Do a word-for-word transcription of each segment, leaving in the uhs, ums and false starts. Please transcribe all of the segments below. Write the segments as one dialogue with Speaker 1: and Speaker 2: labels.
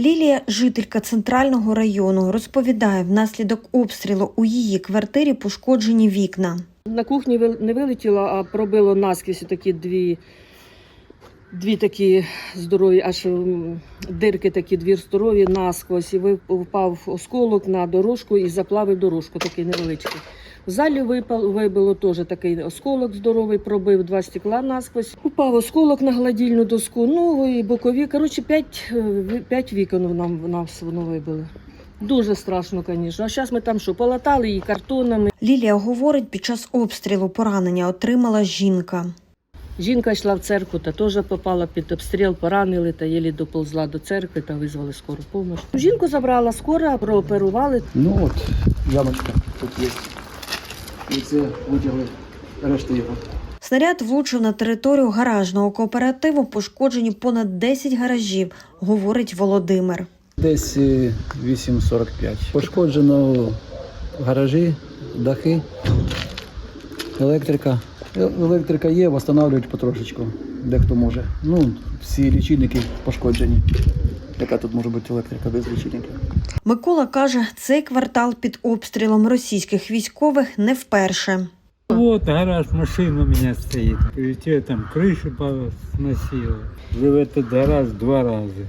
Speaker 1: Лілія – жителька центрального району. Розповідає, внаслідок обстрілу у її квартирі пошкоджені вікна.
Speaker 2: На кухні не вилетіло, а пробило наскрізь такі дві, дві такі здорові, аж дирки такі, дві здорові насквозь. І впав осколок на дорожку і заплавив дорожку, такий невеличкий. В залі випав, вибило теж такий осколок здоровий, пробив два стекла насквозь. Упав осколок на гладильну доску, ну і бокові. Коротше, п'ять, п'ять вікон нам, нас воно вибили. Дуже страшно, звісно. А зараз ми там що, полатали її картонами.
Speaker 1: Лілія говорить, під час обстрілу поранення отримала жінка.
Speaker 2: Жінка йшла в церкву та теж попала під обстріл, поранили та єлі доползла до церкви та визвали скору допомогу. Жінку забрала скора, прооперували.
Speaker 3: Ну от, ямочка тут є. І це витягли решту його.
Speaker 1: Снаряд влучив на територію гаражного кооперативу, пошкоджені понад десять гаражів, говорить Володимир.
Speaker 3: Десь вісім сорок п'ять. Пошкоджено гаражі, дахи, електрика. Електрика є, встановлюють потрошечку, дехто може. Ну, всі лічильники пошкоджені. Яка тут може бути електрика без лічильників?
Speaker 1: Микола каже, цей квартал під обстрілом російських військових не вперше.
Speaker 4: Вот гараж, машина у меня стоит. Прилетела, там крышу сносила. Жил этот гараж два раза.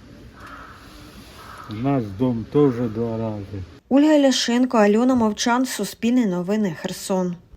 Speaker 4: Наш дом тоже два раза.
Speaker 1: Ольга Ляшенко, Альона Мовчан, Суспільне новини, Херсон.